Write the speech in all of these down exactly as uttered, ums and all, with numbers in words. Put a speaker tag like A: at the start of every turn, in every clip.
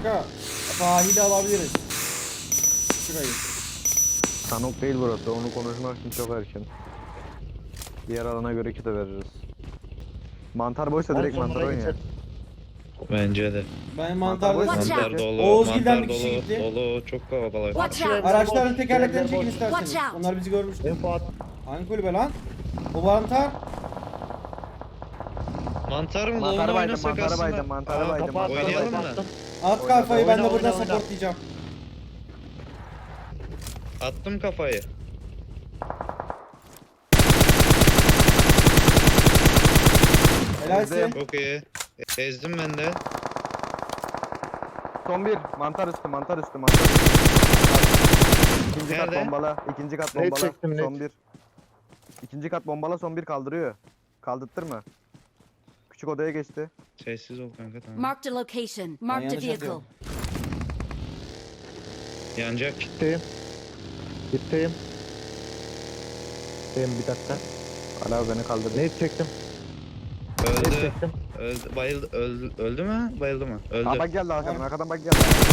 A: kanka. Sahili alabiliriz. Şurayı.
B: Sanok değil burası. Onu konuşmak için çok erken. Diğer alana göre kite veririz. Mantar boşsa direkt
C: Mantar
B: mantar oyun ya.
C: geçer.
D: Bence de.
A: Ben
B: Mantar
A: mantarda
B: boş.
D: Mantar
B: Watch
D: dolu,
A: Oğuzgil'den
D: mantar
A: bir kişi
D: dolu,
A: gitti.
D: dolu, çok kalabalık.
E: Watch out!
A: Araçların
C: Boş,
A: tekerleklerini
C: trenler
A: çekin
C: boş.
A: isterseniz.
E: Watch out.
A: Onlar bizi görmüştü.
C: En Fuat.
A: Hangi kulübe lan? O mantar.
D: Mantar mı?
B: Mantar
D: Onu
B: baydım,
D: oynasak
B: mantar
D: aslında.
B: baydım, mantar
D: Aa,
B: baydım,
C: kapat,
B: mantar
D: Oynayalım
B: baydım.
D: mı?
A: At
B: Oyna,
A: kafayı ben de
C: oyna,
A: buradan
C: oyna, oyna.
A: supportlayacağım.
D: Attım kafayı.
A: Helalsin.
D: Çok iyi. Ezdim ben de.
B: Son bir. Mantar üstü, mantar üstü, mantar üstü. İkinci kat
D: Nerede?
B: bombala, ikinci kat
C: Net
B: bombala,
C: çektim, net.
B: son bir. İkinci kat bombala, son bir kaldırıyor. Kaldırttırma. Küçük odaya geçti.
D: Sessiz ol kanka, tamam.
E: Marked a location. Marked a
A: yanlış
E: vehicle.
A: atıyorum.
D: Yanacak.
C: Gitteyim. Gitteyim. Gitteyim bir dakika.
B: Hala beni kaldırdı.
C: Ne çektim? Ne
D: Öldü.
C: çektim?
D: Öldü. Bayıldı. Öldü, öldü mü? Bayıldı mı? Öldü.
B: Aa bak geldi arkadan,
A: Tamam.
B: arkadan bak geldi.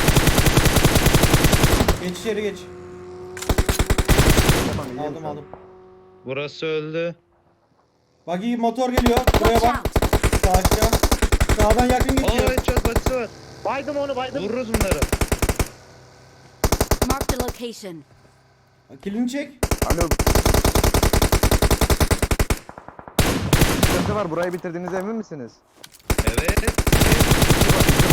A: Geç içeri geç.
B: Tamam iyi
A: Aldım aldım.
D: Burası öldü.
A: Buggy motor geliyor. Buraya
E: Watch
A: bak.
E: out!
A: Sağ aşağı. Sağdan yakın
D: Aa,
A: geçiyor.
D: headshot batısı var.
C: Baydım onu baydım.
D: Vururuz bunları.
E: Marked a location.
A: Kilini çek.
B: Alo. Sıkıntı var, burayı bitirdiğinize emin misiniz?
D: Evet.
B: İki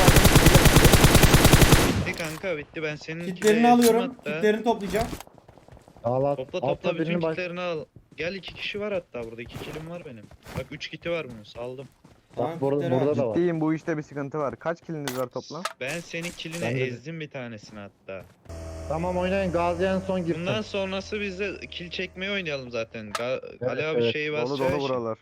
B: var,
D: Bitti kanka, bitti. Ben senin
A: Kitlerini alıyorum. Kitlerini toplayacağım.
C: Al al.
D: Topla
C: Altta
D: topla bütün
C: birini baş-
D: kitlerini al. Gel, iki kişi var hatta burada. iki kilim var benim. Bak üç kiti var bunun. Saldım.
A: Tamam,
C: Bak burada,
A: kitleri
C: burada
A: al.
C: da var.
B: Ciddiyim, bu işte bir sıkıntı var. Kaç kiliniz var toplam?
D: Ben senin kiline
C: Ben de-
D: ezdim bir tanesini hatta.
C: Tamam oynayın. Gazi en son girsin.
D: Bundan sonrası biz de kill çekmeyi oynayalım zaten. Ga-
C: Evet,
D: Ali abi
C: evet.
D: şeyi
B: Dolu
D: basacağı
B: dolu
D: için.
B: buralar.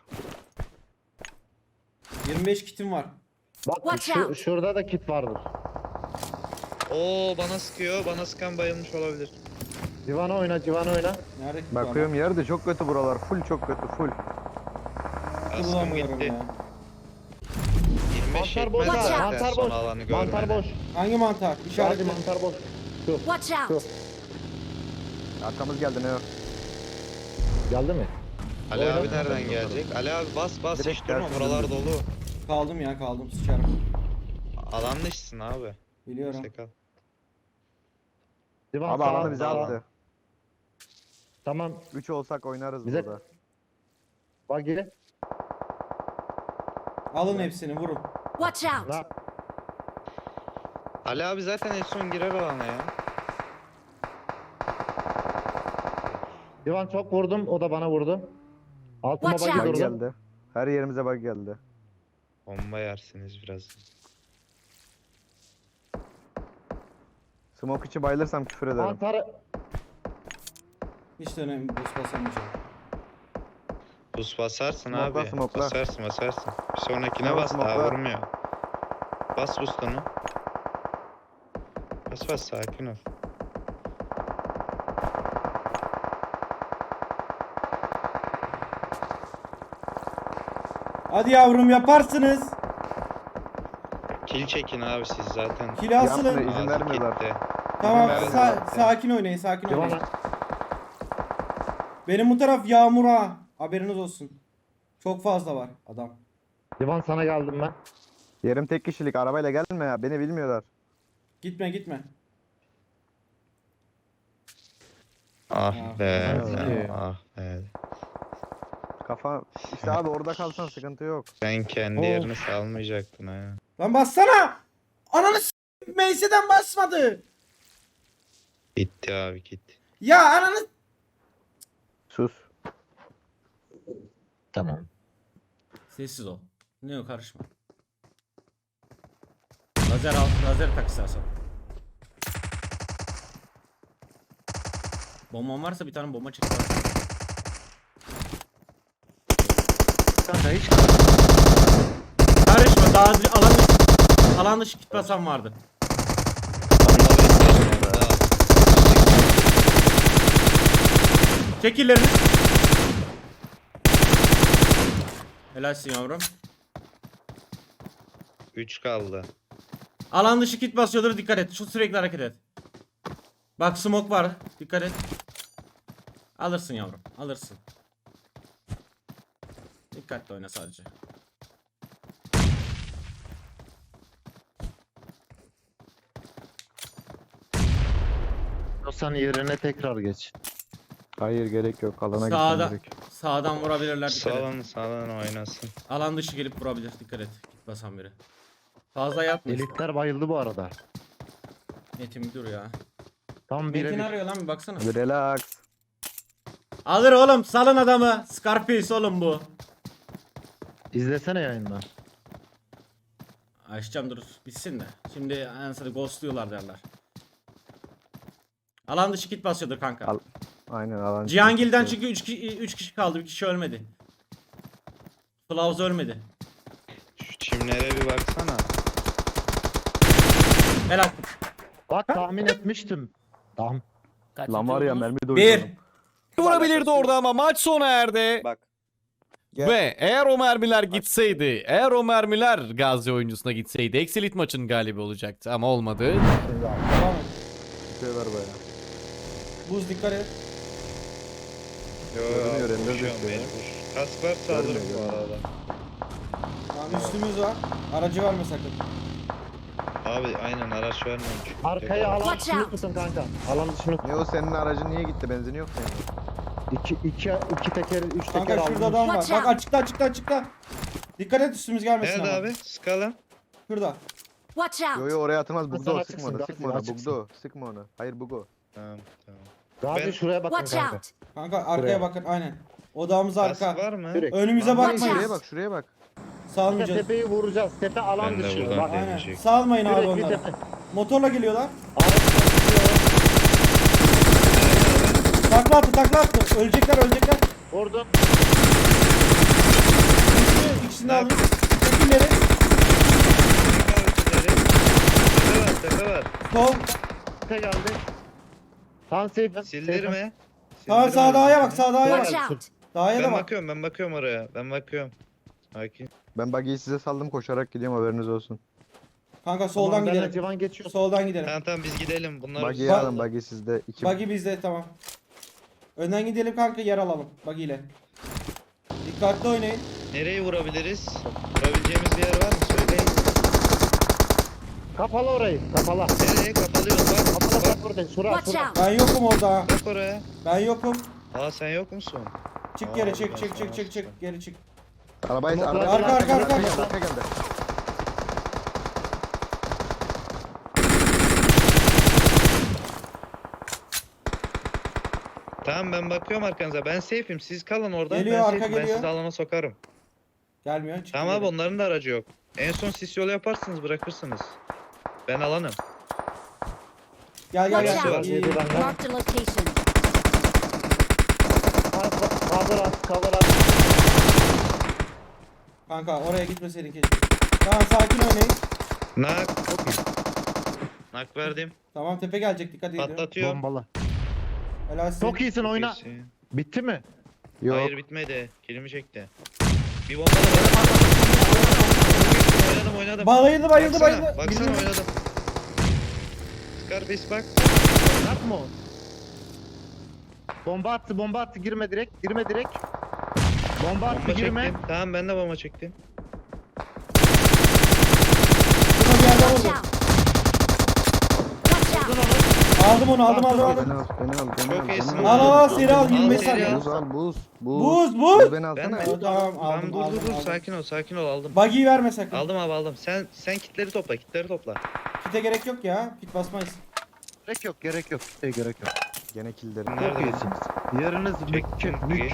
A: yirmi beş kitim var.
C: Bak
E: Watch
C: şu,
E: out.
C: şurada da kit vardır.
D: Oo, bana sıkıyor. Bana sıkan bayılmış olabilir.
C: Civan'a oyna, Civan'a oyna.
A: Nerede kit var?
B: Bakıyorum yerde çok kötü buralar. Full çok kötü, full.
A: Kiti
D: Askım
A: bulamıyorum
D: gitti.
A: ya.
D: yirmi beş
C: Mantar boş
D: yetmez
E: ha,
D: zaten
C: mantar
D: son
C: boş.
D: alanı
C: Mantar
D: görmeden.
C: boş.
A: Hangi mantar?
C: Gazi
A: İşaretle.
C: mantar boş. Şu.
E: Watch
C: Şu.
E: out!
B: Arkamız geldi ne o?
C: Geldi mi?
D: Ali
C: Oyna.
D: abi nereden gelecek? Ali abi bas bas,
B: Direkt
D: hiç durma,
B: tersine
D: buralar
B: döndüm.
D: dolu.
A: Kaldım ya kaldım. Sıçarım.
D: Alan dışısın abi.
A: Biliyorum.
D: İşte kal.
C: Civan
B: Abi
C: sağ-
B: alanı bize
C: sağ-
B: attı.
C: Tamam.
B: üç olsak oynarız
C: Bize-
B: burada.
C: Bak geri.
A: Alın hepsini vurun.
E: Watch out!
C: Ne?
D: Ali abi zaten en son girer alana ya.
C: Civan çok vurdum. O da bana vurdu. Altıma
E: Watch
C: bagi
E: out.
B: Bak
C: durdu.
B: geldi. Her yerimize bak geldi.
D: Bomba yersiniz biraz.
B: Smoke içi bayılırsam küfür ederim.
C: Mantarı.
A: Hiç de önemli. Buz basamayacağım.
D: Buz basarsın
B: Smokla,
D: abi.
B: smokla.
D: Basarsın basarsın. Bir sonrakine
B: Smokla,
D: bas, daha
B: smokla.
D: vurmuyor. Bas boostunu. Bas bas, sakin ol.
A: Hadi yavrum yaparsınız.
D: Kill çekin abi siz zaten.
A: Kill
B: Yapma,
A: asılın.
B: izin
D: Ağzı
B: vermiyorlar.
D: gitti.
A: Tamam
D: vermiyorlar
A: sa-
D: zaten.
A: sakin oynayın sakin oynayın.
C: Civan'a.
A: Benim bu taraf yağmur ha. Haberiniz olsun. Çok fazla var adam.
C: Civan sana geldim ben.
B: Yerim tek kişilik, arabayla gelme ya. Beni bilmiyorlar.
A: Gitme gitme.
D: Ah
A: Ah,
D: be.
C: evet.
D: Ah be.
B: Kafa... İşte abi orada kalsan sıkıntı yok.
D: Sen kendi
C: Of.
D: yerini salmayacaktın ha.
A: Lan bassana. Ananı s***. Meyse'den basmadı.
D: Gitti abi, gitti.
A: Ya ananı.
B: Sus.
C: Tamam.
A: Sessiz ol. Ne yok karışma. Lazer al. Lazer tak istersen. Bomban varsa bir tane bomba çek.
C: Kanka hiç
A: Karışma. Daha önce alan dışı, alan dışı kit basan vardı.
D: Onunla bekleyin orada.
A: Çek illerini. Helalsin yavrum.
D: üç kaldı.
A: Alan dışı kit basıyordur, dikkat et. Şu sürekli hareket et. Bak smoke var. Dikkat et. Alırsın yavrum. Alırsın. Dikkatli oyna sadece.
C: Sen yerine tekrar geç.
B: Hayır gerek yok. Alana gitmem
A: Sağda,
B: gerek.
A: sağdan vurabilirler, dikkat et.
D: Sağdan sağdan oynasın.
A: Alan dışı gelip vurabilir, dikkat et. Git basan biri. Fazla yatma.
C: Elitler bayıldı bu arada.
A: Metin dur ya.
C: Tam
A: Metin
C: birebir.
A: arıyor lan, bir baksana.
B: Hadi relax.
A: Alır oğlum, salın adamı. Scarface oğlum bu.
C: İzlesene yayından.
A: Açacağım dur bitsin de. Şimdi ansarı ghostluyorlar derler. Alan dışı kit basıyordur kanka.
B: Al. Aynen alan.
A: Cihangil'den çünkü üç kişi kaldı, bir kişi ölmedi. Flavuz ölmedi.
D: Şu çimlere bir baksana.
A: Helal.
C: Bak tahmin etmiştim. Tamam.
B: Lan var ya mermi de
A: Bir.
F: Vurabilirdi orada ama maç sona erdi.
G: Bak. Gel.
F: Ve eğer o mermiler gitseydi, eğer o mermiler Gazi oyuncusuna gitseydi Exilit maçın galibi olacaktı ama olmadı.
A: Tamam.
B: Tutuyorlar bayağı.
A: Buz dikkat et.
D: Yo
B: Görünüyor,
D: yo
B: render
D: koşuyorum
B: düşüyor.
D: mecbur. Kask varsa alırım
B: Görmüyor,
D: bu
B: görmüyor.
D: arada.
A: Tamam, üstümüz var. Aracı verme sakın.
D: Abi aynen araç vermiyorum çünkü.
C: Arkaya alan
E: Watch
C: dışını
E: out.
C: tutun kanka. Alan dışını
B: Ne o senin aracın niye gitti? Benzini yok senin.
C: iki, iki, iki teker, üç teker
A: Kanka şurada adam var.
E: Watch
A: Bak
E: out.
A: açıkta açıkta açıkta. Dikkat et üstümüz gelmesin
D: Nerede
A: ama.
D: abi? Skala.
A: Şurada.
E: Watch
B: Yo
E: out!
B: yo oraya atılmaz.
C: Sana
B: Bugdo
C: açıksın,
B: sıkma onu.
C: Gazi,
B: Sıkma onu.
C: açıksın.
B: Bugdo. Sıkma onu. Hayır Bugo.
D: Tamam tamam.
C: Gazi
D: Ben-
C: şuraya bakın
E: Watch
C: kanka.
E: out!
A: Kanka arkaya
C: Buraya.
A: bakın aynen. Odağımız
D: Kask
A: arka.
D: var mı?
C: Direkt.
A: Önümüze
E: Watch
A: bakmayın.
B: Şuraya
E: out.
B: bak şuraya bak.
C: Kanka
A: Salmayacağız.
C: tepeyi vuracağız. Tepe alan
D: Ben de
C: dışı.
D: buradan
C: Bak
D: deneyeceğim.
A: Aynen.
D: Deneyecek.
A: Salmayın abi
C: direkt bir
A: onları.
C: tepe.
A: Motorla geliyorlar.
C: Araç basıyor.
A: Takla attı takla attı. Ölecekler ölecekler.
C: Vurdum.
A: İkisini, ikisini de aldım. Tekinleri.
D: Tepe var tepe var.
A: Sol.
C: Tepe geldi. Tam safe.
D: Sildirme.
A: Sağ
D: Sildirme.
A: sağ dağa bak sağ dağa
E: Watch
A: bak.
E: out!
A: Dağa da
D: Ben
A: bak.
D: bakıyorum ben bakıyorum oraya. Ben bakıyorum. Sakin.
B: Ben buggy'yi size saldım koşarak gidiyorum haberiniz olsun.
A: Kanka soldan
C: Benle
A: gidelim.
C: Civan geçiyor.
A: Soldan gidelim.
D: Tamam tamam biz gidelim. Bunlar
B: Buggy'yi
A: Bak-
B: alın buggy sizde. İki
A: Buggy bizde tamam. Önden gidelim kanka, yer alalım buggy ile. Dikkatli oynayın.
D: nereye vurabiliriz? Vurabileceğimiz bir yer var mı? Söyleyin.
C: Kapalı orayı. Kapalı.
D: Nereye kapalıyoruz bak.
C: Kapalı
D: Bak,
C: bak burada. Şura
E: Watch
C: şura.
E: out!
A: Ben yokum orada.
D: bak oraya.
A: Ben yokum.
D: Aa sen yok musun?
A: Çık
D: Aa,
A: geri
D: ben
A: çık çık
D: sana
A: çık çık
D: açtım.
A: çık geri çık.
B: Arabayı
C: Arka,
B: arabayı
A: arka, arka, arka.
B: geldi, arka geldi.
D: Tamam ben bakıyorum arkanıza. Ben safe'im. Siz kalın orada.
A: Geliyor,
D: ben
A: arka
D: safe'im. Ben
A: geliyor.
D: sizi alana sokarım.
A: Gelmiyor çık.
D: Tamam abi
A: geri.
D: onların da aracı yok. En son sis yolu yaparsınız bırakırsınız. Ben alanım.
A: Gel gel
E: Watch
A: gel.
E: out.
A: İyi, iyi.
E: Marked a location.
C: Cover at. Cover at.
A: Kanka oraya gitmeseydin keşke. Tamam sakin oynayın.
D: Nak. Nak verdim.
A: Tamam tepe gelecek, dikkat edin.
D: Patlatıyorum.
C: Bombalı.
A: Helalsin.
C: Çok iyisin oyna.
D: İyisin.
C: Bitti mi?
B: Yok.
D: Hayır bitmedi. Kilimi çekti. Bir bomba da bana oynadım oynadım.
A: Bayıldı bayıldı
D: Baksana,
A: bayıldı.
D: Baksana
A: Birini-
D: oynadım. Scarface bak.
C: Yapma o. Bomba attı, bomba attı. Girme direkt, girme direkt. Bomba attı,
D: Bomba
C: girme.
D: çektim. Tamam ben de bomba çektim.
A: Şuna bir yerden
E: Watch
A: vurdu.
E: out! Watch out!
A: Aldım onu aldım aldım
B: Beni
A: aldım.
B: al, beni al, beni
D: Çok
B: al,
D: iyisin.
B: beni
A: Al al al seri al,
D: Al,
A: yirmi beş
D: seri
A: saniye.
D: al.
B: Buz al, buz, buz.
A: Buz buz.
B: beni
D: Ben
B: alsana.
D: mi?
A: Tamam
D: Tamam
A: aldım
D: dur
A: aldım
D: dur dur
A: aldım.
D: sakin ol sakin ol aldım.
A: Buggy'yi verme sakın.
D: Aldım abi aldım. Sen sen kitleri topla kitleri topla.
A: Kite gerek yok ya. Kit basmayız.
C: Gerek yok, gerek yok. Şey gerek yok.
B: Gene killerim.
D: Nerede?
C: Çok iyisiniz. Yeriniz
D: Çektim.
C: mük, mük.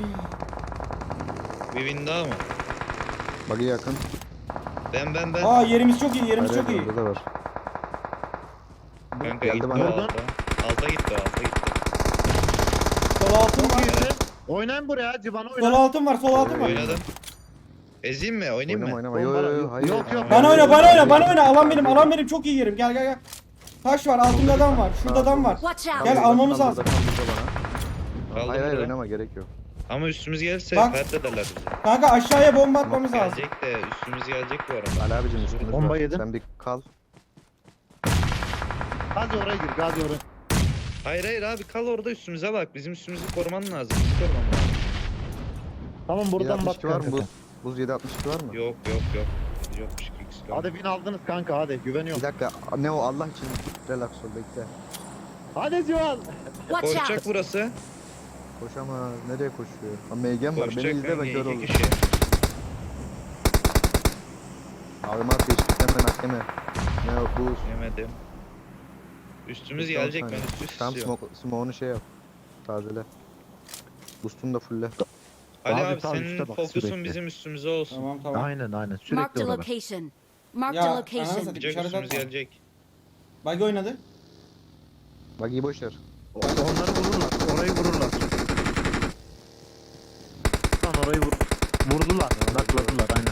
D: Bir win daha mı?
B: Buggy yakın.
D: Ben ben ben.
A: Aa yerimiz çok iyi, yerimiz
B: Hayır,
A: çok iyi.
B: burada da var.
D: Kanka
B: geldi
D: gitti
B: bana.
D: o alta. Alta gitti o alta gitti.
A: Sol altın
C: Çok
A: var.
C: iyisin. Oynayın buraya, Civan'a
A: Sol
C: oyna.
A: altın var, sol altın var.
D: Oynadım. Ezeyim mi? Oynayayım
B: Oynama
D: mı?
B: oynama. Yo yo yo. Hayır.
C: Yok, yok.
A: Bana oyna, bana oyna, bana oyna. Alan benim, alan benim. Çok iyi yerim. Gel gel gel. Taş var, altında adam var. Şurada adam var.
E: Watch out!
A: Gel,
B: Burada,
A: almamız
B: burada,
A: lazım.
B: burada bana.
D: Aldım
B: Hayır hayır
D: burada.
B: oynama gerek yok.
D: Ama üstümüz gelirse
A: Bak.
D: fert ederler bizi.
A: Kanka aşağıya bomba atmamız lazım.
D: Gelecek de üstümüz gelecek bu arada.
B: Ali abicim üstünüz
C: Bomba
B: var.
C: yedim.
B: Sen bir kal.
C: Gazi oraya gir. Gazi oraya.
D: Hayır hayır abi kal orada üstümüze bak. Bizim üstümüzü koruman lazım. Bizi koruman lazım.
C: Tamam buradan bak.
B: yedi altmış iki var mı?
C: kanka
B: Buz,
C: sen.
B: buz yedi altmış iki var mı?
D: Yok yok yok. Yokmuş ki ikisi de.
C: Hadi bin aldınız kanka hadi güveniyorum.
B: Bir dakika. Ne o Allah için relax ol bekle.
C: Hadi Civan.
E: Watch
D: Koşacak
E: out!
D: burası.
B: Koşamaz. Nereye koşuyor? Ha M G'm var. Beni
D: Koşacak
B: izle ben
D: kanka
B: kör
D: iki
B: oldum.
D: kişi.
B: Abim at geçtikten ben at yeme. Ne o buz.
D: Yemedim. Üstümüz
B: Son
D: gelecek ben
B: saniye.
D: üstü
B: Tam
D: istiyorum.
B: smoke, smoke'unu şey yap. Tazele. Boost'unu da fulle.
D: Ali
C: Abi
D: abi,
C: tam
D: senin
C: üstte bak,
D: fokusun
C: sürekli.
D: bizim üstümüze olsun.
A: Tamam tamam.
C: Aynen aynen
E: Marked
C: sürekli
E: a
C: orada.
E: location. Marked
A: Ya,
E: a
A: ananı
E: location.
A: satayım.
D: Gelecek
A: İçeride
D: üstümüz
A: atma.
D: gelecek.
A: Buggy oynadı.
B: Bak iyi boşver.
C: Onları vururlar. Orayı vururlar. Lan orayı vur. Vurdular. Nakladılar aynen.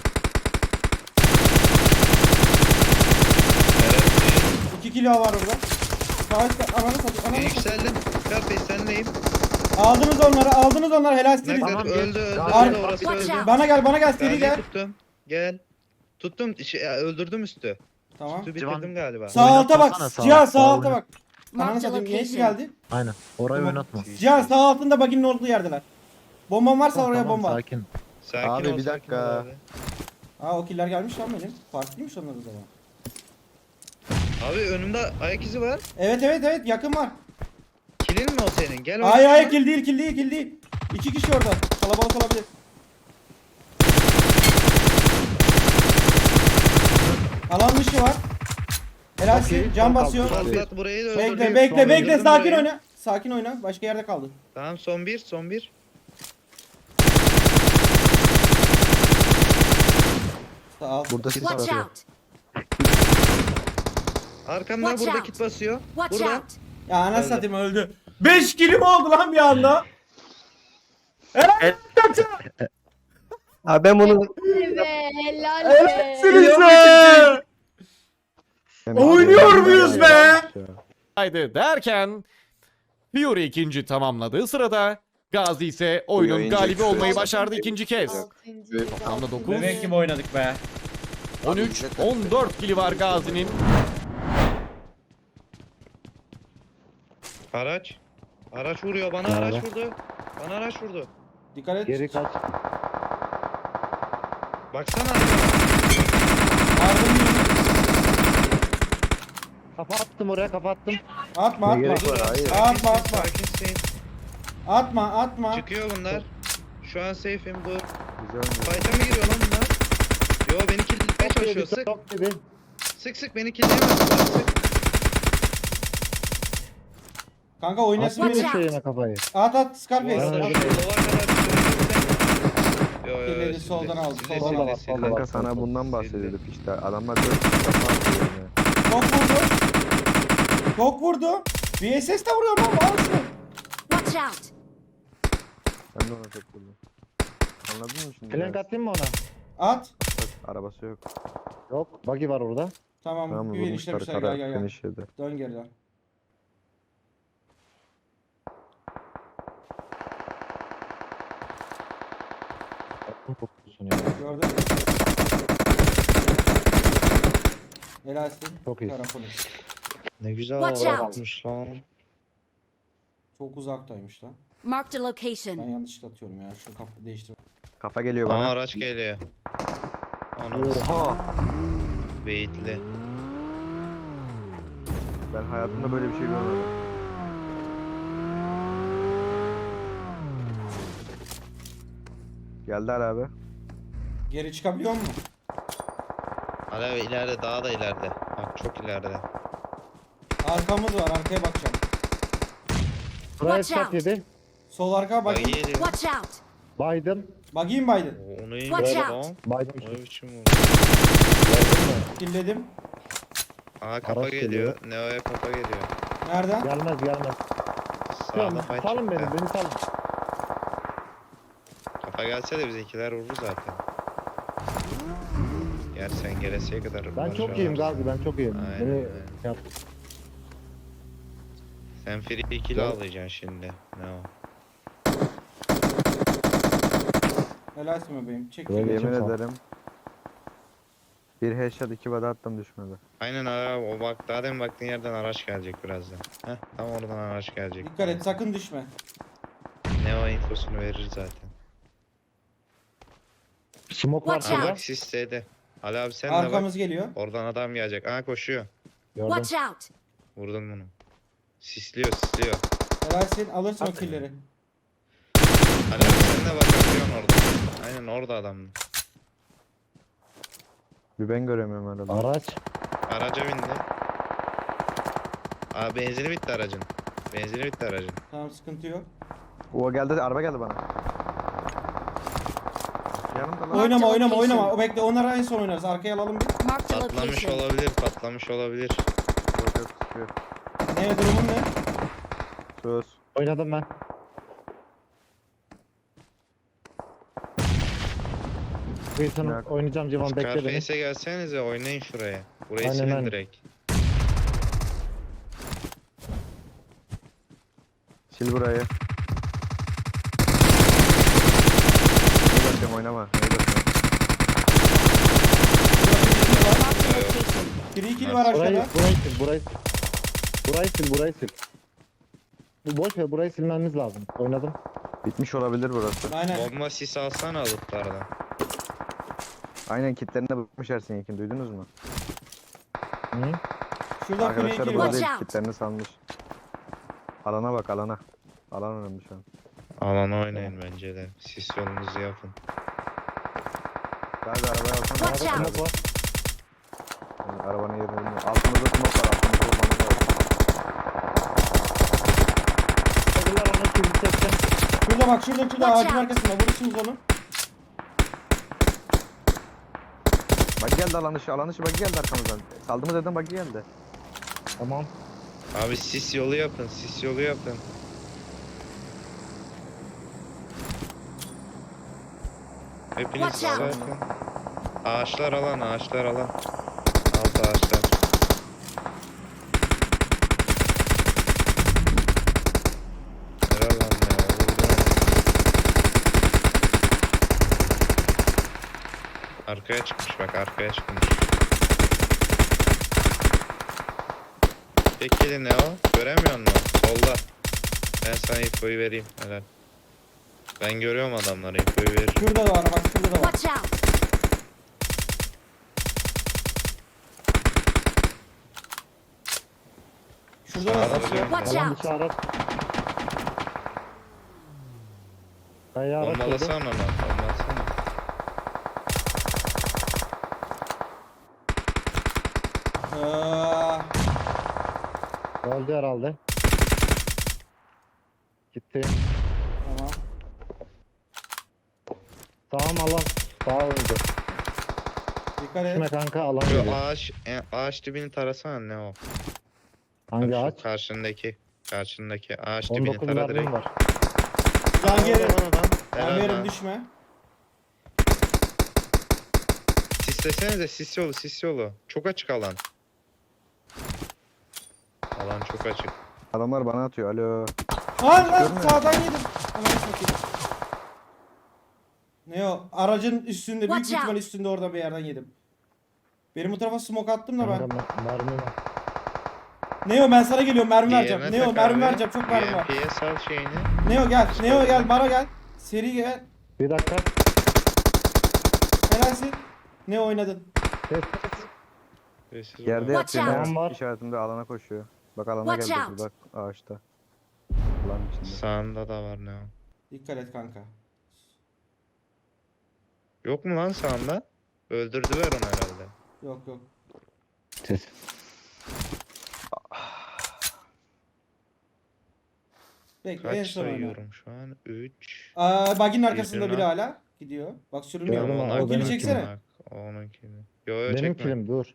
D: Evet.
A: iki kilo var orada. Sağ ananı satayım.
D: Ben
A: Ananı satayım.
D: yükseldim. Scarface senleyim.
A: Aldınız onları, aldınız onları. Helal
D: Ne
A: size.
C: Tamam,
D: kadar
C: geç.
D: öldü öldü
C: Ar-
D: öldü orası
E: Watch
D: öldü.
E: out.
A: Bana gel, bana gel. Seri
D: Gazi'yi
A: gel.
D: tuttum. Gel. Tuttum. Şey, ya, öldürdüm üstü.
A: Tamam.
D: Üstü
C: Civan-
D: bitirdim galiba.
A: Sağ alta bak.
C: Oynatmasana sağa.
A: Cihan sağ
C: Sağa
A: alta
C: oynat.
A: bak. Ananı
E: Marked a
A: satayım. Neyse
E: location.
A: geldi.
C: Aynen. Orayı
A: Tamam.
C: oynatma.
A: Cihan sağ altında baginin olduğu yerdeler. Bombam varsa
C: Tamam,
A: oraya
C: tamam,
A: bomba.
C: Sakin.
D: Sakin
B: Abi,
D: ol,
B: bir
D: sakin
B: dakika.
D: ol abi.
A: Aa o killer gelmiş lan benim. Farklıymış onlar o zaman.
D: Abi önümde ayak izi var.
A: Evet evet evet yakın var.
D: Kilin mi o senin? Gel
A: Hayır
D: oynayalım.
A: hayır kill değil kill değil kill değil. İki kişi orada. Kalabalık olabilir. Alan dışı var. Helalsin.
C: Okey,
A: Can
C: çok
A: basıyor.
C: kaldı.
D: Patlat burayı da öldürdüm.
A: Bekle bekle
C: Sonra
A: bekle
D: öldürdüm
A: sakin
D: burayı.
A: oyna. Sakin oyna. Başka yerde kaldı.
D: Tamam son bir son bir.
A: Sağ alt.
B: Burada sis
E: Watch
B: var.
E: out!
D: Arkamdan
E: Watch
D: burada
E: out.
D: kit basıyor.
E: Watch
D: Burada.
E: out!
A: Ya ana
D: Öldü.
A: satayım öldü. beş kilim oldu lan bir anda. Helal olsun.
B: Abi ben bunu...
E: Be, helal be.
A: Helalsiniz be. Oynuyor muyuz be?
F: Haydi derken Fury ikinci tamamladığı sırada Gazi ise oyunun
G: oyuncu
F: galibi olmayı
G: Fury.
F: başardı ikinci kez. Toplamda dokuz,
A: Bebek gibi oynadık be.
F: on üç, on dört kili var Gazi'nin.
D: Araç. Araç vuruyor bana
C: Nerede?
D: araç vurdu. Bana araç vurdu.
A: Dikkat et.
C: Geri kaç.
D: Baksana.
A: Yardım edin.
C: Kafa attım oraya kafa attım.
A: Atma
C: Ne
A: atma.
C: gerek var? Hayır.
A: Atma atma.
D: Sakinsin.
A: Atma atma.
D: Çıkıyor bunlar. Şu an safe'im dur.
B: Güzel mi?
D: Fight'a mı giriyor lan bunlar? Yo beni killlemeye çalışıyor. Sık.
C: Çok gibi.
D: Sık sık beni killleyemez. Sık.
A: Kanka oynasın
C: Atma
E: Watch
A: beni.
E: out.
C: bir şeyine kafayı.
A: At at
D: Bu
A: Scarface.
D: arada
A: At.
D: şu lova kadar bir Yo yo yo.
A: Killeri
D: sildi.
A: soldan aldı,
D: Sildi,
A: soldan
D: sildi,
C: aldı,
D: sildi.
C: soldan
B: Kanka
C: Bak,
B: sana
C: bak,
B: bundan
D: sildi.
B: bahsediyorduk işte. Adamlar dört kişi atıyor yani.
A: Çok vurdu. Çok vurdu. V S S de vuruyor lan. Al şunu.
E: Watch out!
B: Ben de ona çok vurdum. Anladın mı şimdi?
C: Flank atayım mı ona?
A: At.
B: Bak, arabası yok.
C: Yok. Buggy var orada.
A: Tamam.
B: Tamam
A: bir
B: vurmuşlar
A: işlemişler. Gel
B: kara
A: gel gel.
B: finish yedi.
A: Dön geri dön.
C: Attım kokusunu ya.
A: Gördün mü? Helalsin.
C: Çok iyi.
A: Tarafını.
D: Ne güzel
E: Watch
D: araba
E: out.
D: yapmış lan.
A: Çok uzaktaymış lan.
E: Marked a
A: Ben
E: location.
A: yanlışlıkla atıyorum ya. Şu kapı değiştir.
B: Kafa geliyor
D: Aa
B: bana.
D: araç geliyor. Ana
C: Oha.
D: beyitli.
B: Ben hayatımda böyle bir şey görmedim. Geldiler abi.
A: Geri çıkabiliyor mu?
D: Hala ileride daha da ileride. Bak çok ileride.
A: Arkamız var. Arkaya bakacağım.
C: Buraya
E: Watch
C: shot
E: out.
C: yedi.
A: Sol arka
D: Bak
A: bakayım.
D: geliyor.
E: Watch out!
C: Biden.
A: Bakayım Biden.
D: Oo, Onu iyi
E: Watch
D: vurdu
E: out.
D: lan.
C: Biden.
D: O ne biçim vurdu.
A: Killedim.
D: Aha kafa
C: Araç
D: geliyor.
C: geliyor.
D: Neo'ya kafa geliyor.
A: Nereden?
C: Gelmez gelmez.
D: Sağda
C: Tamam,
D: fight
C: salın
D: çıktı.
C: beni beni salın.
D: Kafa gelse de bizimkiler vurur zaten. Yer sen gelesiye kadar.
C: Ben çok iyiyim Gazi ben çok iyiyim.
D: Aynen,
C: Beni
D: aynen.
C: yap.
D: Sen free kill alacaksın şimdi. Neo.
A: Helalsin bebeğim. Çek.
C: Böyle
A: killeyi.
B: Yemin
C: Geçim sağ.
B: ederim. Bir headshot iki body attım düşmedi.
D: Aynen abi o bak daha demin baktığın yerden araç gelecek birazdan. Heh tam oradan araç gelecek.
A: Dikkat et sakın düşme.
D: Ne o infosunu verir zaten.
C: Smoke var
E: Watch
D: Aa
E: out.
C: şurada.
D: bak sis S'de. Ali abi sen de bak.
A: Arkamız geliyor.
D: Oradan adam gelecek. Aa koşuyor.
C: Gördüm.
E: Watch out.
D: Vurdun bunu. Sisliyor sisliyor.
A: Helalsin alırsın o killleri.
D: Ali abi sen de bakabiliyorsun orada. Aynen orada adam.
B: Bir ben göremiyorum herhalde.
C: Araç.
D: Araca bindi. Aa benzini bitti aracın. Benzini bitti aracın.
A: Tamam sıkıntı yok.
B: O geldi araba geldi bana. Yanımda lan.
A: Oynama oynama
E: location.
A: oynama. O bekle onları en son oynarız. Arkaya alalım bir.
E: Marked a
D: Patlamış
E: location.
D: olabilir, patlamış olabilir.
B: Yok yok sıkıyor.
A: Ne durumun ne?
B: Söz.
C: Oynadım ben. Wilson
B: Yok.
C: oynayacağım Civan bekle beni.
D: Scarface'e gelsenize oynayın şuraya. Burayı
C: Aynen,
D: silin
C: aynen.
D: direkt.
B: Sil burayı. Ne bakıyorum oynama. Ne bakıyorum.
E: Marked a location.
A: Free kill var
C: Burayı,
A: aşağıda.
C: burayı sil, burayı sil. Burayı sil, burayı sil. Bu boş ver, burayı silmemiz lazım. Oynadım.
B: Bitmiş olabilir burası.
A: Aynen.
D: Bomba sis alsana alıplardan.
B: Aynen kitlerinde bitmiş Ersin Yekin duydunuz mu?
C: Hı?
A: Şurada free
B: Arkadaşlar
A: kill
B: burada
A: var.
E: Watch
B: değil
E: out.
B: kitlerini salmış. Alana bak alana. Alan önemli şu an.
D: Alana oynayın bence de. Sis yolunuzu yapın.
B: Galiba arabaya alsana.
E: Watch
C: Arada
E: out.
C: smoke var.
B: Yani arabanın yerini bilmiyorum. Altımızda smoke var. Altımızda olmanız lazım.
C: Çadırlar onu kilidi çekeceğim.
A: Şurada bak şurada şurada
E: Watch
A: ağacın
E: out.
A: arkasında. Vurursunuz onu.
B: Bak geldi alan dışı. Alan dışı bak geldi arkamızdan. Saldığımız yerden bak geldi.
C: Tamam.
D: Abi sis yolu yapın, sis yolu yapın. Hepiniz
E: Watch out.
D: zaten. Ağaçlar alan, ağaçlar alan. Alt ağaçlar. Helal lan ya, vurdum. Arkaya çıkmış bak, arkaya çıkmış. Peki ne o? Göremiyor musun? Solda. Ben sana infoyu vereyim. Helal. Ben görüyorum adamları, infoyu veririm.
A: Şurada da var bak şurada da var.
E: Watch out.
A: Şurada da
D: Sağda
A: satıyor.
E: Watch
C: Alan
E: out.
C: dışı araç. Kaya araç oldu.
D: Bombalasana onu, bombalasana.
A: Ee,
C: Öldü herhalde. Gitti.
A: tamam.
C: Sağım alan. Sağ öldü.
A: Dikkat
C: Şuna
A: et.
C: kanka alan
D: Şu
C: geliyor.
D: ağaç, e, ağaç dibini tarasana ne o?
C: Hangi
D: Şu
C: ağaç?
D: Karşındaki, karşındaki ağaç
C: on
D: dibini
C: dokuz
D: tara
C: mermim
D: direkt.
C: var.
A: Can yerim.
D: Helal lan,
A: Can
D: helal
A: yerim
D: lan.
A: düşme.
D: Sislesenize sis yolu, sis yolu. Çok açık alan. Alan çok açık.
B: Adamlar bana atıyor. Alo.
A: Lan lan
B: Görmüyor
A: sağdan yedim. Ananı satayım. Ne o? Aracın üstünde büyük
E: Watch
A: bir ihtimal
E: out.
A: üstünde orada bir yerden yedim. Benim bu tarafa smoke attım da ben.
C: Kanka mer- mermim var.
A: Neo ben sana geliyorum mermi vereceğim.
D: Diğerine
A: Neo
D: tak
A: mermi
D: abi.
A: vereceğim çok mermi var.
D: B M P'ye sal şeyini.
A: Neo gel. Neo gel bana gel. Seri gel.
C: Bir dakika.
A: Helalsin. Neo oynadın.
C: Ses ses.
D: Sessiz
B: Yerde
D: ol.
E: Watch
B: yatıyor.
C: out.
B: ya.
C: Var.
B: İşaretinde alana koşuyor. Bak alana
E: Watch
B: geldi.
E: out.
B: Bak ağaçta. Alan içinde.
D: Sağında da var ne o?
A: Dikkat et kanka.
D: Yok mu lan sağında? Öldürdüler onu herhalde.
A: Yok yok.
C: Ses.
A: Bekle en
D: Kaç
A: son oyna.
D: sayıyorum şu an? üç.
A: Aa, bagin arkasında
D: Yüzüne.
A: biri hala. Gidiyor. Bak sürünüyor.
C: Gördüm abi,
A: O
C: o
A: kili
C: benim
A: çeksene.
D: Bak, o onunkini. Yo yo
C: Benim
D: çekme.
C: kilim dur.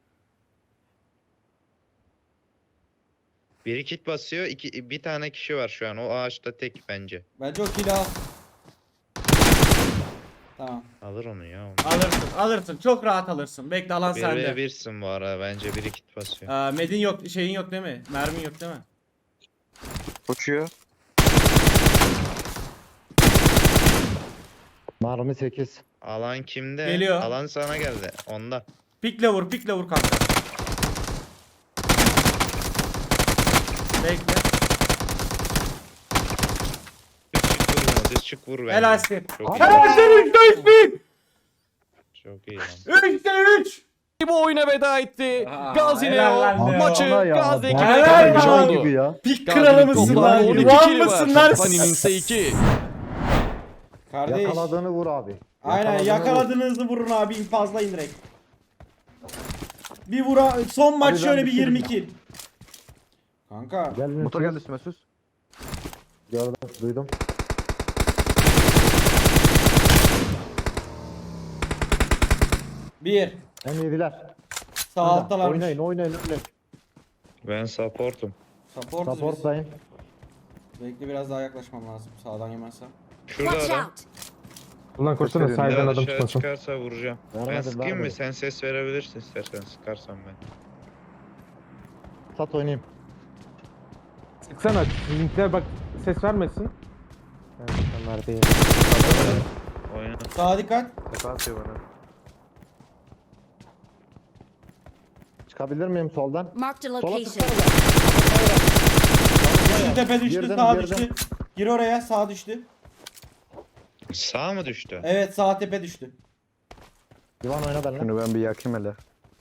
D: Biri kit basıyor, iki, bir tane kişi var şu an. O ağaçta tek bence.
A: Bence o kili al. Tamam.
D: Alır onu ya. Onu.
A: Alırsın alırsın. Çok rahat alırsın. Bekle alan
D: Bir
A: sende.
D: ve birsin bu ara. Bence biri kit basıyor.
A: Aa, medin yok. Şeyin yok değil mi? Mermin yok değil mi?
B: Koşuyor.
C: Mermi sekiz.
D: Alan kimde?
A: Geliyor.
D: Alan sana geldi. Onda.
A: Pikle vur, pikle vur kanka. Bekle.
D: Çık vur bunu. Düz çık vur bence.
A: Helalsin.
D: Çok iyi.
A: Helalsin üçte üç bin.
D: Çok iyi lan.
A: üçte üç.
F: Bu oyuna veda etti.
A: Aa,
F: Gazi
A: helal lan
F: Neo
A: Neo.
F: maçı
C: Ana ya,
F: Gazi ekibi
A: helal
F: kazanmış
A: lan.
F: oldu.
C: gibi ya.
A: Pik
F: Gazi'nin
A: kralı mısın
F: toplam
A: lan?
F: on iki
A: Yuvan
F: kili var.
A: mısın lan?
F: Fanny'nin ise iki.
A: Kardeş.
C: Yakaladığını vur abi.
A: Aynen
C: Yakaladığını
A: yakaladığınızı vurun abi infazlayın direkt. Bir vura son maç
C: Abi ben
A: şöyle bir
C: bitirdim
A: yirmi
C: ya.
A: kill. Kanka.
C: vur. Gelin.
B: Motor geldi üstüme sus.
C: Gördüm, duydum.
A: Bir.
C: En yediler.
A: Sağ alttalarmış.
C: Oynayın, oynayın, oynayın.
D: Ben supportum.
A: Supportuz biz.
C: Supportlayın.
A: Bekle biraz daha yaklaşmam lazım. Sağdan yemezsem.
D: Şurada
E: Watch
D: adam.
E: out!
G: Ulan koşsana
B: Gösteriyorum.
G: sahiden
D: Bir
G: adam
D: dışarı
G: çıkmasın.
D: çıkarsa vuracağım. Ben
C: Vermedim,
D: sıkayım mı?
C: vermedim.
D: Sen ses verebilirsin istersen sıkarsan ben.
C: Sat oynayayım.
G: Sıksana. Linkler bak ses vermesin. Evet, onlar değil.
D: Oyna.
A: Sağa dikkat.
B: Tepe atıyor bana.
C: Çıkabilir miyim soldan?
E: Marked a
C: Sola
E: location.
C: tıksana.
A: Düştü tepe düştü.
C: Girdim,
A: Sağa
C: girdim.
A: düştü. Gir oraya sağ düştü.
D: Sağ mı düştü?
A: Evet sağ tepe düştü.
C: Divan oyna benimle.
B: Şunu ben bir yakayım hele.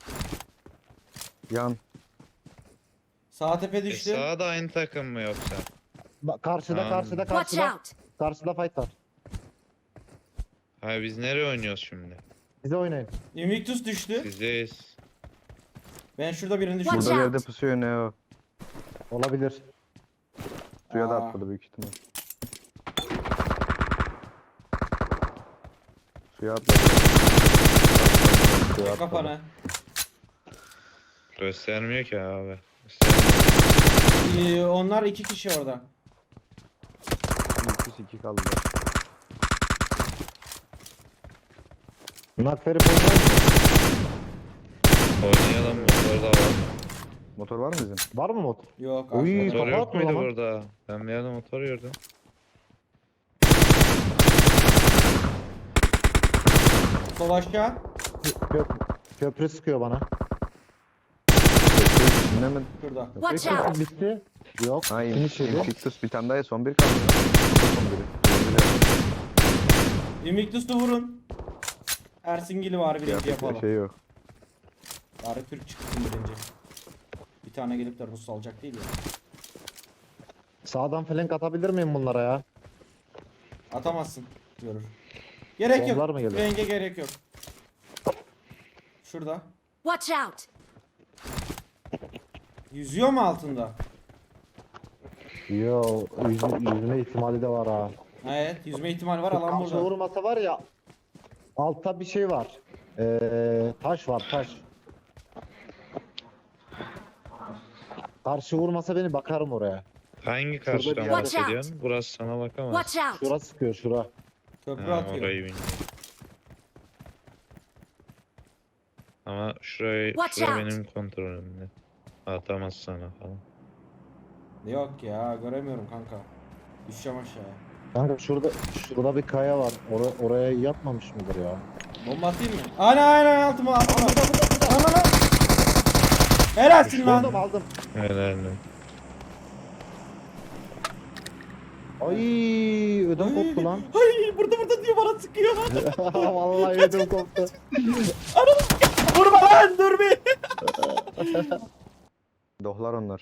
B: Yan.
A: Sağ tepe
D: E,
A: düştü.
D: sağda aynı takım mı yoksa?
C: Bak, Karşıda,
D: Ha.
C: karşıda,
E: Watch
C: karşıda.
E: out!
C: Karşıda fight var.
D: Ha biz nereye oynuyoruz şimdi?
C: Bize oynayın.
A: Invictus düştü.
D: Bizdeyiz.
A: Ben şurada birini
E: Watch
A: düşürdüm.
B: Burada bir
E: out.
B: yerde pusuyor ne o?
C: Olabilir.
B: Suya da
A: Aa.
B: atladı büyük ihtimal. Suya atladı. Suya
A: Çek
B: atladı.
A: kafanı.
D: Göstermiyor ki abi. Göstermiyor.
A: Ee, onlar iki kişi orada.
B: İki iki kaldı.
C: Nak verip oynayalım mı?
D: Oynayalım motor da var.
B: Motor var mı bizim?
C: Var mı mod?
A: Yok.
C: Uy.
A: arkada.
D: Motor
C: kafa
D: yok
C: atma
D: muydu
C: lan.
D: burada? Ben bir yerde motor gördüm.
A: Sol aşağı.
C: Köp köprü sıkıyor bana.
B: İçinde mi?
A: Şurada.
E: Watch
C: Köprü
E: out!
C: bitti. Yok.
B: Hayır.
C: Finish yedi.
B: Invictus bir tane daha ya, son bir kaldı. Son biri. Son biri.
A: Invictus'u vurun. Ersingil'i var birinci
B: Yapacak
A: yapalım.
B: bir şey yok.
A: Bari Türk çıksın birinci. Bir tane gelip de Rus alacak değil ya.
C: Sağdan flank atabilir miyim bunlara ya?
A: Atamazsın. Görür. Gerek yok.
C: Bombalar mı geliyor?
A: Renge gerek yok. Şurada.
E: Watch out!
A: Yüzüyor mu altında?
C: Yo, yüzme, yüzme ihtimali de var ha.
A: Evet, yüzme ihtimali var alan
C: Karşı
A: burada.
C: vurmasa var ya, altta bir şey var. Ee, taş var, taş. Karşı vurmasa beni bakarım oraya.
D: Hangi
C: bir
D: karşıdan
C: yer-
D: bahsediyorsun? Burası sana bakamaz.
E: Watch out!
C: Şura sıkıyor, şura.
A: Köprü
D: Ha,
A: atıyor.
D: orayı bilmiyorum. Ama şurayı,
E: Watch
D: şura
E: out.
D: benim kontrolümde. Atamaz sana falan.
A: Yok ya, göremiyorum kanka. Düşeceğim aşağıya.
C: Kanka şurada, şurada bir kaya var. Ora- oraya yatmamış mıdır ya?
A: Bomba atayım mı? Aynen aynen altıma altıma. Ana lan. Helalsin
C: Aldım,
A: lan.
C: aldım.
D: Helal lan.
C: Ay, ödüm koptu lan.
A: Ay burada burada diyor bana sıkıyor.
C: Vallahi ödüm koptu.
A: Vurma lan dur bir.
B: Dohlar onlar.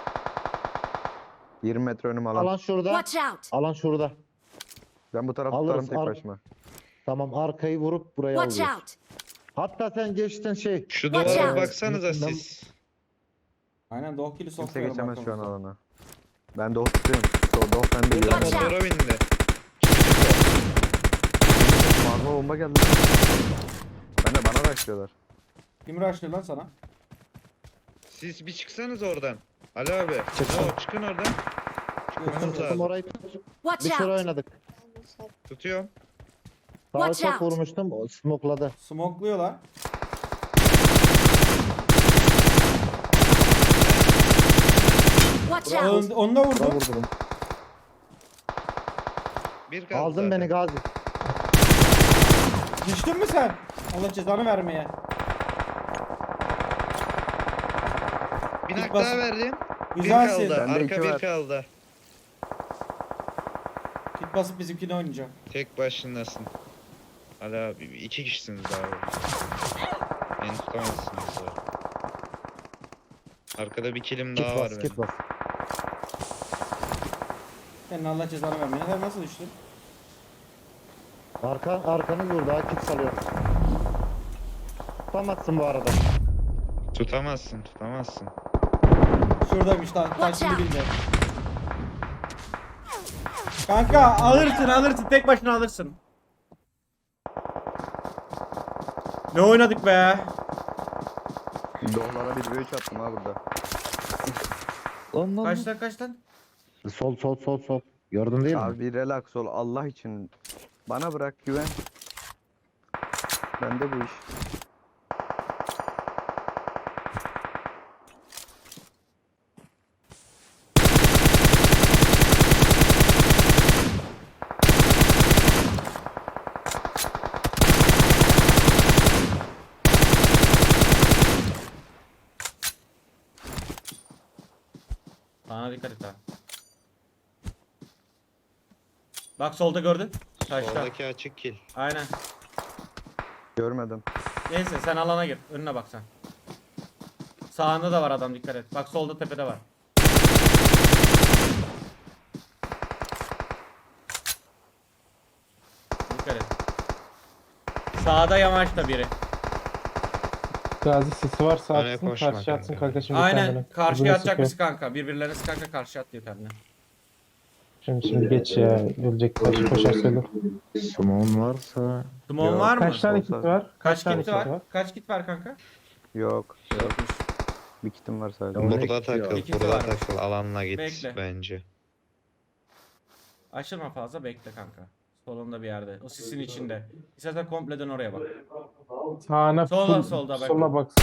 B: yirmi metre önüm alan.
C: Alan şurada.
E: Watch out!
C: Alan şurada.
B: Ben bu tarafı
C: Alırız,
B: tutarım tek
C: ar-
B: başıma.
C: Tamam, arkayı vurup buraya
E: Watch
C: alıyoruz.
E: out!
C: Hatta sen geçtin şey.
D: Şu
E: Watch
D: duvara
E: out.
D: baksanıza
C: Ben-
D: siz.
A: Aynen Doğu kili
B: Kimse
A: sokuyorum.
B: geçemez şu an
A: arkamızdan.
B: alana. Ben doh tutuyorum. Doh, doh ben de
D: Burada
B: yiyorum.
E: Watch out.
D: motora bindi.
B: Magma bomba geldi. Ben de bana başlıyorlar.
A: Kim rushlıyor lan sana?
D: Siz bir çıksanız oradan. Ali abi.
C: Çıktım.
D: No, çıkın oradan.
A: Göster.
D: Çıkmanız
C: Tuttum
D: lazım.
C: orayı tut.
E: Watch
C: Bir süre
E: out!
C: oynadık.
D: Tutuyorum.
C: Sağa
E: Watch
C: çok
E: out.
C: vurmuştum. o Smokladı.
A: Smokluyorlar.
E: Watch
A: Ön,
E: out!
A: onu da
C: Bura
A: vurdu.
C: vurdum.
D: Bir kaldı
C: Aldın
D: zaten.
C: beni Gazi.
A: Düştün mü sen? Allah cezanı vermeye.
D: Bir nak
A: bas-
D: daha verdim. Bir
A: Güzelsin.
D: kaldı.
B: Bende iki
D: Arka bir
B: var.
D: kaldı.
A: Git basıp bizimkini oynayacağım.
D: Tek başınasın. Hala bir- iki kişisiniz abi. Beni tutamazsınız abi. Arkada bir kilim
C: Kit
D: daha var
C: bas, kit
D: benim.
C: bas.
A: Senin Allah cezanı vermiyor. Sen nasıl düştün?
C: Arka, arkanız burada, kit salıyorum. Tutamazsın bu arada.
D: Tutamazsın, tutamazsın.
A: Şuradaymış lan. Taş
E: Watch
A: şimdi bildi. Kanka alırsın alırsın. Tek başına alırsın. Ne oynadık be?
B: Dohlara bir üç attım ha burada.
C: Lan lan.
A: Kaç lan kaç lan?
C: Sol sol sol sol. Gördün değil mi?
B: Abi bir relax ol Allah için. Bana bırak güven. Bende bu iş.
A: Sana dikkat et ha. Bak solda gördün. Taşta.
D: Soldaki açık kill.
A: Aynen.
B: Görmedim.
A: Neyse sen alana gir. Önüne bak sen. Sağında da var adam dikkat et. Bak solda tepede var. Dikkat et. Sağda yamaçta biri.
G: Gazi sisi varsa
D: Öne
G: atsın
D: koşma
G: karşı atsın
D: kanka.
G: kanka şimdi
A: Aynen.
G: kendine.
A: Karşıya
G: Birbirine
A: atacak
G: sıkıyor.
A: mısın kanka? Birbirlerine kanka karşıya atlıyor kendine.
G: Şimdi şimdi geç ya. Ölecek başı koşar söyle.
C: Smoke'un varsa.
A: Dumon
B: Yok.
A: var mı?
G: Kaç tane kit
B: Olsa-
G: var?
A: Kaç
G: tane
A: kit var? Kaç kit var kanka?
B: Yok. Yok. Bir kitim var sadece.
C: Tamam.
D: Burada takıl,
A: İkisi
D: burada
A: varmış.
D: takıl. Alanla git
A: Bekle.
D: bence.
A: Açılma fazla bekle kanka. Solunda bir yerde. O sisin içinde. İstersen komple dön oraya bak.
G: Sağına
A: Solda,
G: full-
A: solda bak.
G: Sola bak.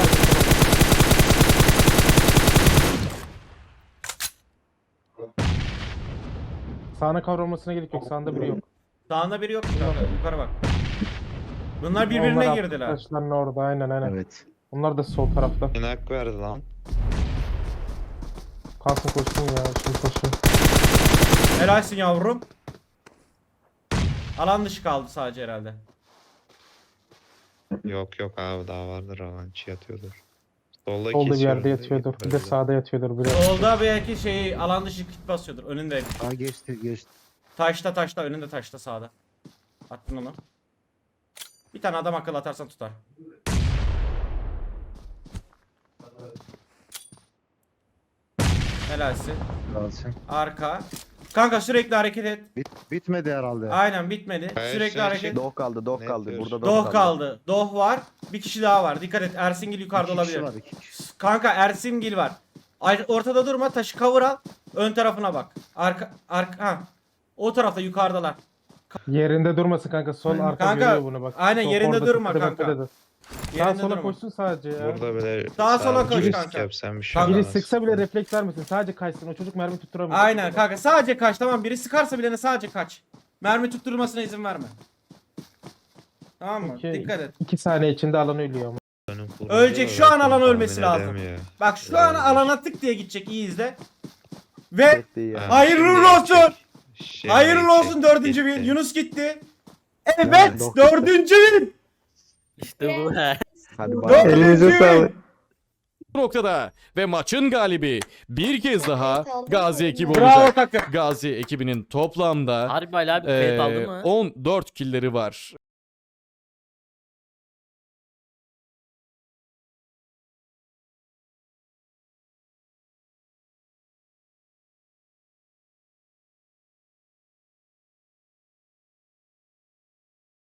G: Sağına kavrulmasına gerek yok. Sağında biri yok.
A: Sağında biri yok mu kanka? Yukarı bak. Bunlar
G: Onlar
A: birbirine
G: attı
A: girdiler.
G: taşlarını orada aynen aynen.
C: Evet.
G: Onlar da sol tarafta.
D: Bir nak verdi lan.
G: Kalsın koşsun ya. Şimdi koşuyor.
A: Helalsin yavrum. Alan dışı kaldı sadece herhalde.
D: Yok yok abi daha vardır alan içi yatıyordur. Solda
G: Solda bir
D: kesiyorum
G: yerde
D: da
G: yatıyordur.
D: git
G: Bir de
D: böyle.
G: sağda yatıyordur biri.
A: Solda belki şey alan dışı kit basıyordur. Önünde.
C: Aa geçti geçti.
A: Taşta taşta önünde taşta sağda. Attın onu. Bir tane adam akıl atarsan tutar. Helalsin.
C: Kalsın.
A: Arka. Kanka sürekli hareket et.
C: Bit, bitmedi herhalde.
A: Aynen bitmedi.
D: Hayır,
A: Sürekli
D: şey,
A: hareket.
D: şey.
B: Doh kaldı, doh
D: Ne
B: kaldı.
D: yapıyoruz?
B: Burada doh,
A: Doh kaldı. Doh var. Bir kişi daha var. Dikkat et. Ersingil yukarıda
C: İki kişi
A: olabilir.
C: var, iki kişi.
A: Kanka Ersingil var. Ay- Ortada durma. Taşı cover al. Ön tarafına bak. Arka arka ha. O tarafta yukarıdalar.
G: Yerinde durmasın kanka. Sol arka
A: Kanka,
G: görüyor bunu bak.
A: aynen,
G: Sol
A: yerinde
G: orada
A: durma
G: tepede,
A: kanka.
G: tepede. Sağa
A: Yerinde
G: sola
A: durma.
G: koşsun sadece ya.
D: Burada bile
A: Sağa sola
D: sadece
A: koş
D: risk
A: kanka.
D: yapsan bir şey
A: Kanka.
G: Biri
D: olmaz.
G: sıksa bile refleks vermesin. Sadece kaçsın. O çocuk mermi tutturamıyor.
A: Aynen kanka. Sadece kaç. Tamam biri sıkarsa bilene sadece kaç. Mermi tutturulmasına izin verme. Tamam mı?
G: Okey.
A: Dikkat et.
G: İki saniye içinde alan ölüyor ama.
D: Önüm kurulu
A: Ölecek,
D: da
A: şu an
D: zaten
A: alan
D: tahmin
A: ölmesi lazım.
D: edemiyor.
A: Bak şu
D: Biraz
A: an
D: da-
A: alana tık diye gidecek. İyi izle. Ve
B: Gitti ya.
D: Ha,
A: hayırlı
D: şimdi
A: olsun.
D: gidecek. Şimdi
A: hayırlı
D: gidecek,
A: olsun dördüncü
D: gitti.
A: win. Yunus gitti. Evet
B: Doh gitti.
A: dördüncü win.
H: İşte bu.
B: Hadi bay.
A: Dördüncü win.
F: Bu noktada ve maçın galibi bir kez daha Gazi ekibi
A: Bravo
F: olacak.
A: takım.
F: Gazi ekibinin toplamda
H: Harbi Ali abi kayıt aldı
F: eee,
H: mı?
F: on dört killleri var.